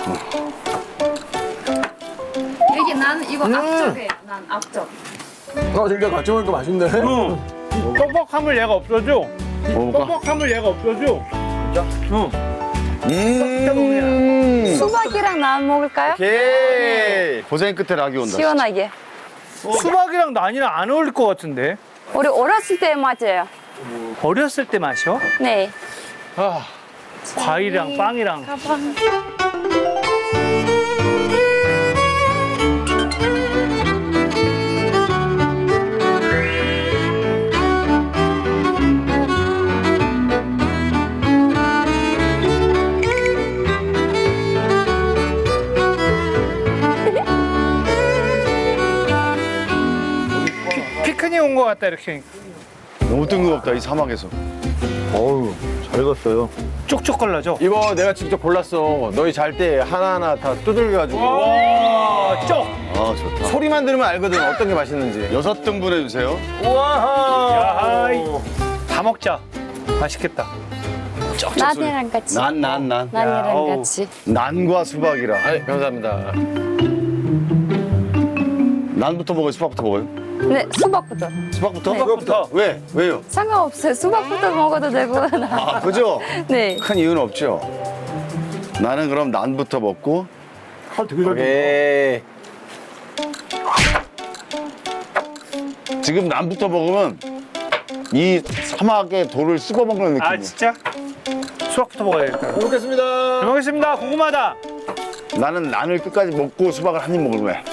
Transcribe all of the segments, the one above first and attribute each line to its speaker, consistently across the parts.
Speaker 1: 여기 난 이거 앞쪽에 난 앞쪽.
Speaker 2: 진짜 같이 먹으니까 맛있네.
Speaker 3: 뻑뻑함을 얘가 없어져.
Speaker 4: 먹어볼까?
Speaker 3: 뻑뻑함을 얘가 없어져.
Speaker 5: 수박이랑 난 먹을까요?
Speaker 4: 오케이. 고생 끝에 락이 온다.
Speaker 5: 시원하게.
Speaker 3: 수박이랑 난이랑 안 어울릴 것 같은데.
Speaker 5: 우리 어렸을 때 맞아요.
Speaker 3: 어렸을 때 마셔?
Speaker 5: 네.
Speaker 3: 과일이랑 빵이랑.
Speaker 5: 가방.
Speaker 3: 피크닉 온 것 같다 이렇게.
Speaker 4: 너무 뜬금없다, 이 사막에서.
Speaker 2: 어우, 잘 익었어요.
Speaker 3: 쪽쪽 걸러져.
Speaker 2: 이거 내가 직접 골랐어. 너희 잘 때 하나하나 다 두들겨가지고.
Speaker 3: 와, 쪽.
Speaker 4: 아, 좋다.
Speaker 2: 소리만 들으면 알거든, 어떤 게 맛있는지.
Speaker 4: 6등분 해주세요.
Speaker 2: 우와!
Speaker 3: 야이. 다 먹자. 맛있겠다.
Speaker 5: 난이랑 같이.
Speaker 4: 난.
Speaker 5: 난이랑
Speaker 3: 어우.
Speaker 5: 같이.
Speaker 4: 난과 수박이라.
Speaker 2: 아니, 감사합니다.
Speaker 4: 난부터 먹어요, 수박부터 먹어요?
Speaker 5: 네, 수박부터.
Speaker 4: 수박부터?
Speaker 5: 네.
Speaker 3: 수박부터.
Speaker 4: 왜? 왜요?
Speaker 5: 상관없어요. 수박부터 먹어도 되고.
Speaker 4: 아, 그죠?
Speaker 5: 네.
Speaker 4: 큰 이유는 없죠. 나는 그럼 난부터 먹고.
Speaker 2: 오케이.
Speaker 4: 지금 난부터 먹으면 이 사막의 돌을 씹어 먹는 느낌이야.
Speaker 3: 아 진짜? 수박부터 먹어야겠다. 잘
Speaker 2: 잘 먹겠습니다.
Speaker 3: 먹겠습니다. 궁금하다.
Speaker 4: 나는 난을 끝까지 먹고 수박을 한 입 먹을 거야.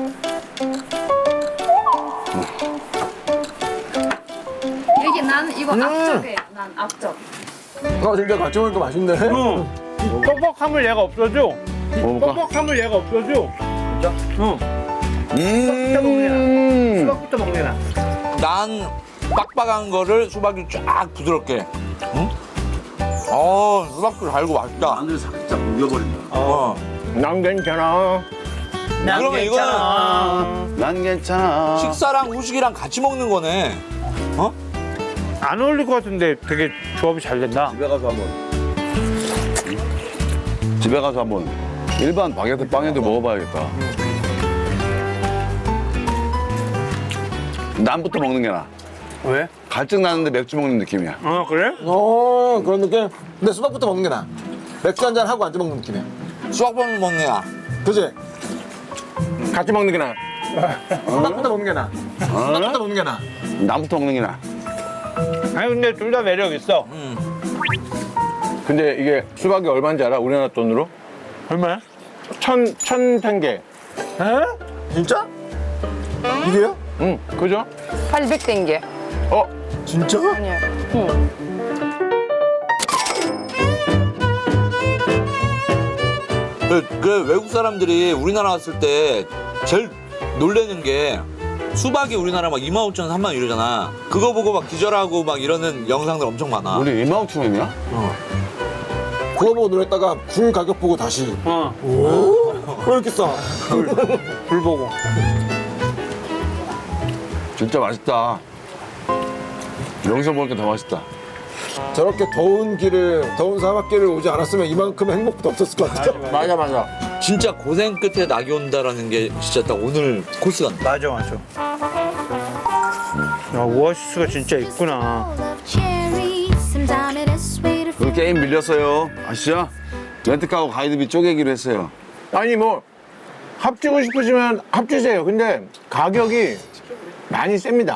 Speaker 1: 여기 난 이거 앞쪽에 난 앞쪽.
Speaker 2: 진짜 같이 먹으니까 맛있네.
Speaker 3: 뻑뻑함을 얘가 없어져.
Speaker 4: 먹어볼까?
Speaker 3: 뻑뻑함을 얘가 없어져. 진짜? 응. 수박부터 먹내나.
Speaker 6: 난 빡빡한 거를 수박이 쫙 부드럽게. 응? 수박도 달고 맛있다.
Speaker 4: 난을 살짝 녹여버린다.
Speaker 2: 난 괜찮아.
Speaker 6: 그러면 이거는
Speaker 4: 난 괜찮아.
Speaker 6: 식사랑 후식이랑 같이 먹는 거네.
Speaker 3: 안 어울릴 것 같은데 되게 조합이 잘 된다.
Speaker 4: 집에 가서 한번 일반 바게트 빵에도 먹어봐야겠다. 난부터 먹는 게 나아.
Speaker 3: 왜?
Speaker 4: 갈증 나는데 맥주 먹는 느낌이야.
Speaker 3: 그래?
Speaker 2: 그런 느낌? 근데 수박부터 먹는 게 나아. 맥주 한잔 하고 앉아 먹는 느낌이야.
Speaker 6: 수박빵 먹네야.
Speaker 2: 그지? 같이 먹는 게 나아. 수박부터 먹는 게 나아. 수박부터 먹는 게 나아.
Speaker 4: 난부터 먹는 게 나아.
Speaker 3: 아니 근데 둘 다 매력 있어.
Speaker 2: 근데 이게 수박이 얼마인지 알아? 우리나라 돈으로?
Speaker 3: 얼마야?
Speaker 2: 천 탱게.
Speaker 3: 에?
Speaker 2: 진짜? 이게요? 응, 그죠?
Speaker 5: 800땡겨.
Speaker 2: 진짜?
Speaker 5: 아니요. 응.
Speaker 6: 그 외국 사람들이 우리나라 왔을 때 제일 놀라는 게 수박이 우리나라 막 25,000원, 30,000원 이러잖아. 그거 보고 막 기절하고 막 이러는 영상들 엄청 많아.
Speaker 4: 우리 25,000원이야?
Speaker 2: 그거 보고 놀랬다가 굴 가격 보고 다시. 왜 이렇게 싸?
Speaker 3: 불 보고.
Speaker 4: 진짜 맛있다. 여기서 먹으니까 더 맛있다.
Speaker 2: 저렇게 더운 사막길을 오지 않았으면 이만큼 행복도 없었을 것 같아요.
Speaker 4: 맞아.
Speaker 6: 진짜 고생 끝에 낙이 온다라는 게 진짜 딱 오늘 코스 같네.
Speaker 3: 맞아. 야, 오아시스가 진짜 있구나.
Speaker 4: 우리 게임 밀렸어요. 아시죠? 렌트카하고 가이드비 쪼개기로 했어요.
Speaker 2: 아니 뭐 합치고 싶으시면 합치세요. 근데 가격이 많이 셉니다.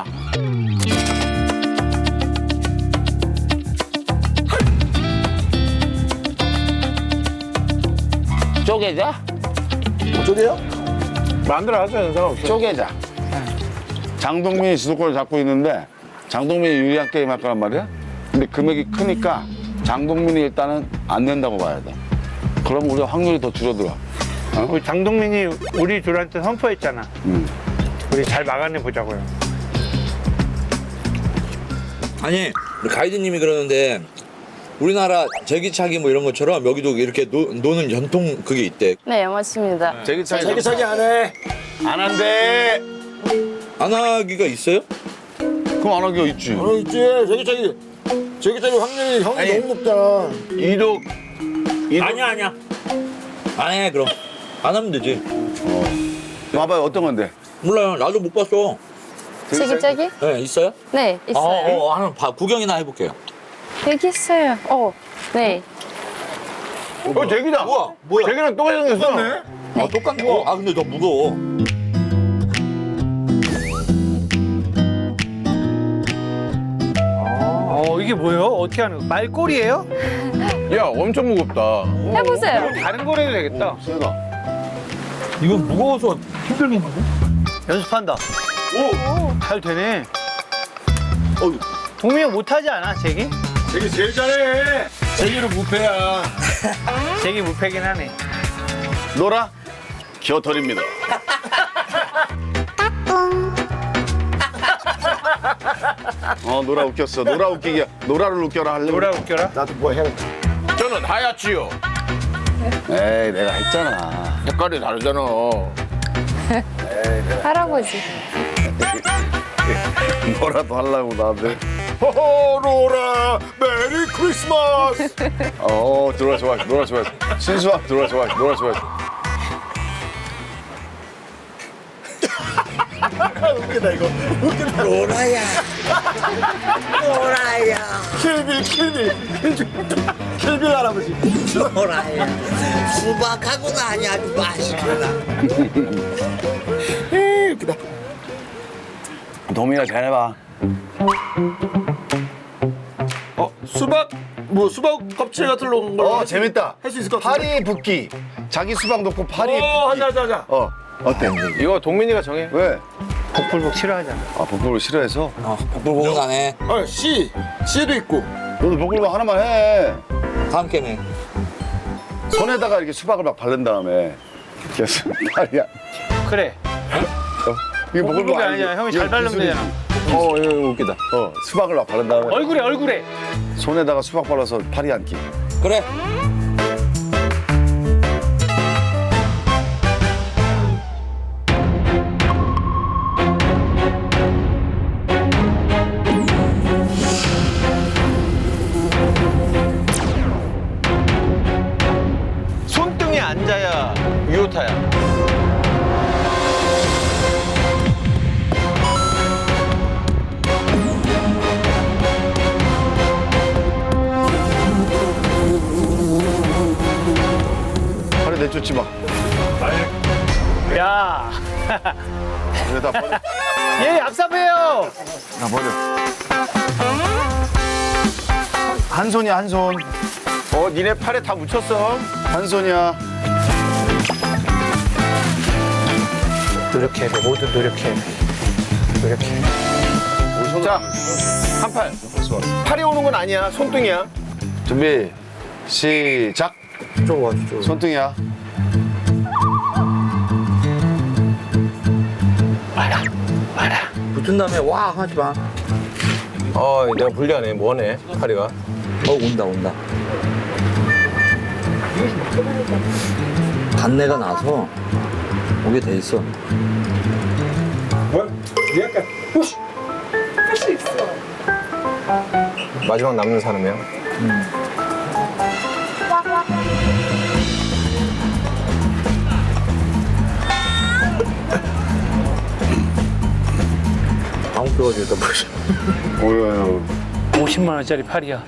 Speaker 4: 쪼개자?
Speaker 2: 어쩌게요? 마음대로 하세요. 상관없어요.
Speaker 4: 쪼개자. 장동민이 주도권을 잡고 있는데 장동민이 유리한 게임 할 거란 말이야? 근데 금액이 크니까 장동민이 일단은 안 낸다고 봐야 돼. 그럼 우리가 확률이 더 줄어들어.
Speaker 3: 우리 장동민이 우리 둘한테 선포했잖아. 우리 잘 막아내 보자고요.
Speaker 6: 아니 우리 가이드님이 그러는데 우리나라 제기차기 뭐 이런 것처럼 여기도 이렇게 노는 전통 그게 있대.
Speaker 5: 네, 맞습니다.
Speaker 2: 자기 안 해.
Speaker 4: 안 한대.
Speaker 6: 안 하기가 있어요?
Speaker 4: 그럼 안 하기가 있지.
Speaker 2: 있지. 제기차기 확률이 형이 너무 높잖아.
Speaker 4: 이독
Speaker 3: 아니야.
Speaker 6: 안 해 그럼. 안 하면 되지.
Speaker 4: 봐봐요, 어떤 건데?
Speaker 6: 몰라요. 나도 못 봤어.
Speaker 5: 세기짜기?
Speaker 6: 네 있어요?
Speaker 5: 네, 있어요.
Speaker 6: 한번 구경이나 해볼게요.
Speaker 5: 여기 있어요. 네.
Speaker 2: 잭이다.
Speaker 6: 뭐야?
Speaker 2: 잭이랑 똑같이 생겼어.
Speaker 6: 아 똑같네. 아 근데 너 무거워.
Speaker 3: 이게 뭐예요? 어떻게 하는 거? 말꼬리예요?
Speaker 2: 야, 엄청 무겁다.
Speaker 5: 해보세요.
Speaker 3: 다른 거로 해도 되겠다.
Speaker 4: 세다.
Speaker 6: 이건 무거워서 힘들겠는데?
Speaker 3: 연습한다. 오! 잘 되네.
Speaker 6: 어휴.
Speaker 3: 동민이 형 못하지 않아, 잭이?
Speaker 2: 잭이 제일 잘해. 잭이로 무패야.
Speaker 3: 잭이 무패긴 하네.
Speaker 4: 노라 겨털입니다. 노라 웃겼어. 노라 웃기기. 노라를 웃겨라 하려고.
Speaker 3: 노라 웃겨라.
Speaker 2: 나도 뭐 해야겠다. 저는 하얗지요.
Speaker 4: 에이, 내가 했잖아.
Speaker 2: 색깔이 다르잖아.
Speaker 5: 할아버지.
Speaker 4: 뭐라도 하려고 나한테.
Speaker 2: 호호, 로라, 메리 크리스마스.
Speaker 4: 노라 좋아. 노라 좋아. 신수아, 노라 좋아. 노라 좋아.
Speaker 2: 웃기다, 이거. 웃기다.
Speaker 6: 로라야. 로라야.
Speaker 2: 킬빌 할아버지.
Speaker 6: 로라야. 수박하고는 아니 아주 맛있구나.
Speaker 2: 웃기다.
Speaker 4: 도민아 잘해봐.
Speaker 2: 수박, 수박 껍질 같은 걸로.
Speaker 4: 재밌다.
Speaker 2: 할 수 있을 것 같은데.
Speaker 4: 파리 붓기. 자기 수박 넣고 파리 붓기.
Speaker 2: 하자.
Speaker 4: 어때?
Speaker 2: 이거 동민이가 정해.
Speaker 4: 왜?
Speaker 3: 복불복 싫어하잖아.
Speaker 4: 복불복 싫어해서?
Speaker 6: 복불복은 안 해.
Speaker 2: 씨도 있고.
Speaker 4: 너도 복불복 하나만 해.
Speaker 6: 다음 게임에.
Speaker 4: 손에다가 이렇게 수박을 막 바른 다음에 계속 파리야.
Speaker 3: 그래.
Speaker 4: 이게
Speaker 3: 복불복이 아니야. 형이 잘 바르면 되잖아.
Speaker 2: 이거 웃기다.
Speaker 4: 수박을 막 바른 다음에
Speaker 3: 얼굴에.
Speaker 4: 손에다가 수박 발라서 파리 앉기.
Speaker 6: 그래.
Speaker 2: 손등에 앉아야 유효타야.
Speaker 4: 파리 내쫓지 마.
Speaker 3: 야.
Speaker 4: 그래 다 버려.
Speaker 3: 얘 얍삽해요.
Speaker 4: 다 버려. 한 손이야 한 손.
Speaker 2: 니네 팔에 다 묻혔어.
Speaker 4: 한 손이야.
Speaker 3: 노력해야 돼. 모두 노력해야 돼. 노력해.
Speaker 2: 자, 한 팔. 팔이 오는 건 아니야. 손등이야.
Speaker 4: 준비 시작.
Speaker 2: 이쪽으로 와,
Speaker 4: 손등이야.
Speaker 6: 붙은 다음에 와 하지 마.
Speaker 2: 내가 불리하네. 뭐하네, 팔이가.
Speaker 6: 온다. 단내가 나서 오게 돼 있어.
Speaker 2: 마지막 남는 사람이야.
Speaker 6: 아무 뼈가지고 일단 보시.
Speaker 4: 오유.
Speaker 3: 50만 원짜리 팔이야.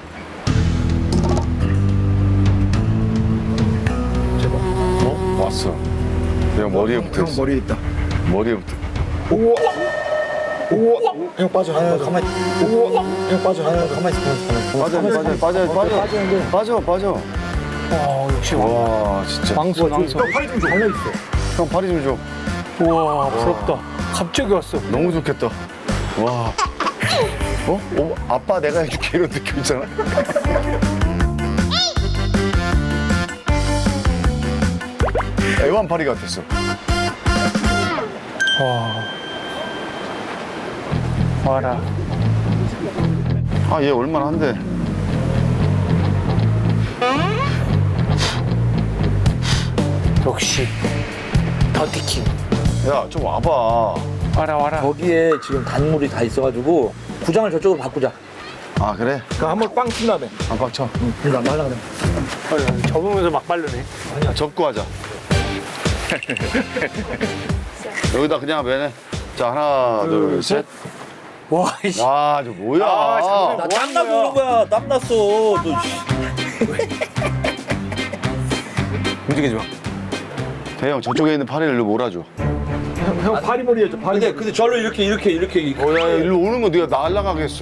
Speaker 4: 왔어. 그냥 머리에 붙어 있어.
Speaker 2: 머리에 있다.
Speaker 4: 머리에 붙어.
Speaker 2: 형 빠져. 가만히. 형 빠져. 가만히 있어.
Speaker 4: 빠져.
Speaker 3: 역시
Speaker 4: 와 진짜.
Speaker 3: 왕손.
Speaker 2: 형 팔이 좀 줘.
Speaker 4: 형 파리 좀 줘.
Speaker 3: 우와, 부럽다. 갑자기 왔어.
Speaker 4: 너무 좋겠다. 와. 아빠 내가 해줄게 이런 느낌 있잖아. 애완파리 같았어.
Speaker 3: 와라.
Speaker 4: 얘 얼마나 한데.
Speaker 3: 역시 더티킹.
Speaker 4: 야 좀 와봐.
Speaker 3: 와라.
Speaker 6: 거기에 지금 단물이 다 있어가지고 구장을 저쪽으로 바꾸자.
Speaker 4: 그래?
Speaker 2: 한번 빵 친 다음에.
Speaker 4: 안 빡쳐.
Speaker 6: 나 말라 그래.
Speaker 3: 접으면서 막 바르네.
Speaker 4: 접고 하자. 여기다 그냥 매네. 자, 하나, 둘, 셋.
Speaker 3: 와, 이씨.
Speaker 4: 와, 저 뭐야?
Speaker 6: 나 땀나서 그런 거야. 땀났어. 너.
Speaker 2: 움직이지 마.
Speaker 4: 대형, 저쪽에 있는 파리를 일로 몰아줘.
Speaker 2: 형 파리머리 해줘.
Speaker 6: 근데 저로 이렇게.
Speaker 4: 야, 일로 오는 거 네가 날아가겠어.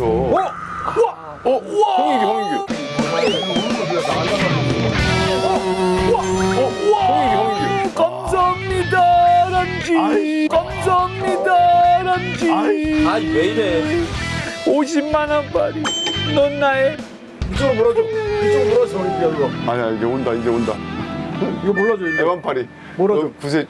Speaker 2: 홍인규.
Speaker 3: 감사합니다, 람쥐. 감사합니다, 람쥐.
Speaker 6: 아니 왜 이래?
Speaker 3: 50만 원 파리. 넌 나의
Speaker 2: 이쪽으로 몰아줘. 이거.
Speaker 4: 아니야, 이제 온다.
Speaker 2: 이거 몰라줘. 이거.
Speaker 4: 애완파리.
Speaker 2: 몰아줘.
Speaker 4: 너 구세.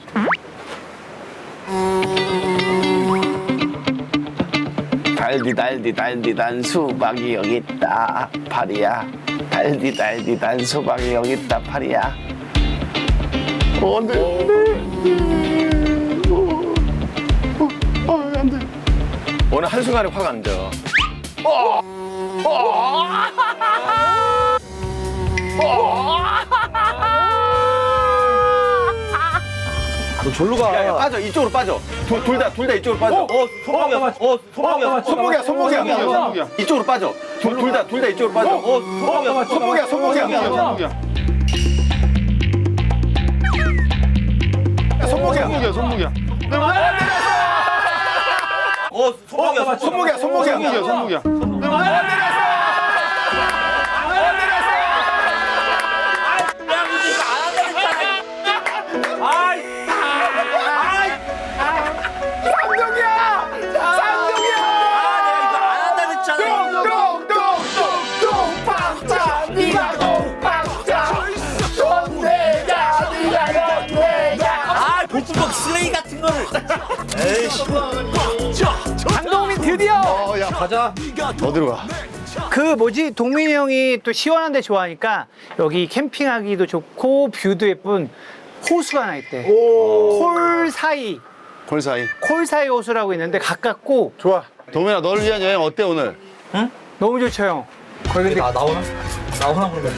Speaker 7: 달디단 수박이 여기 있다 파리야. 달디단 수박이 여기 있다 파리야.
Speaker 4: 안 돼.
Speaker 2: 오늘 한순간에 확 안 져.
Speaker 6: 너 절로 가.
Speaker 2: 야, 빠져. 이쪽으로 빠져. 둘 다 이쪽으로 빠져.
Speaker 6: 손목이야.
Speaker 2: 손목이야. 이쪽으로 빠져. 둘 다 이쪽으로 빠져. 손목이야. 손목이야.
Speaker 4: 손목이야.
Speaker 6: 복불복 쓰레기 같은 거를. 에이씨.
Speaker 3: 강동민 드디어
Speaker 4: 야,
Speaker 6: 가자.
Speaker 4: 어디로 가?
Speaker 3: 그 뭐지 동민이 형이 또 시원한 데 좋아하니까 여기 캠핑하기도 좋고 뷰도 예쁜 호수가 하나 있대. 콜 사이 호수라고 있는데 가깝고
Speaker 2: 좋아.
Speaker 4: 도민아, 너를 위한 여행 어때 오늘?
Speaker 3: 너무 좋죠 형. 거기 근데
Speaker 6: 나오나 그러면.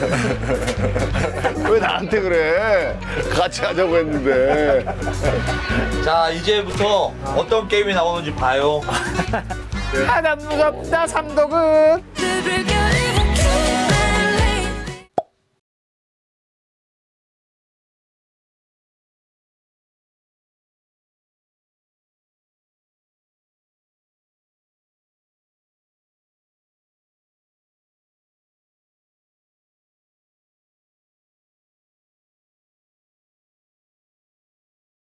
Speaker 4: 왜 나한테 그래? 같이 하자고 했는데.
Speaker 6: 자 이제부터 어떤 게임이 나오는지 봐요.
Speaker 3: 하나 무섭다 삼덕은.
Speaker 1: 늘 불결이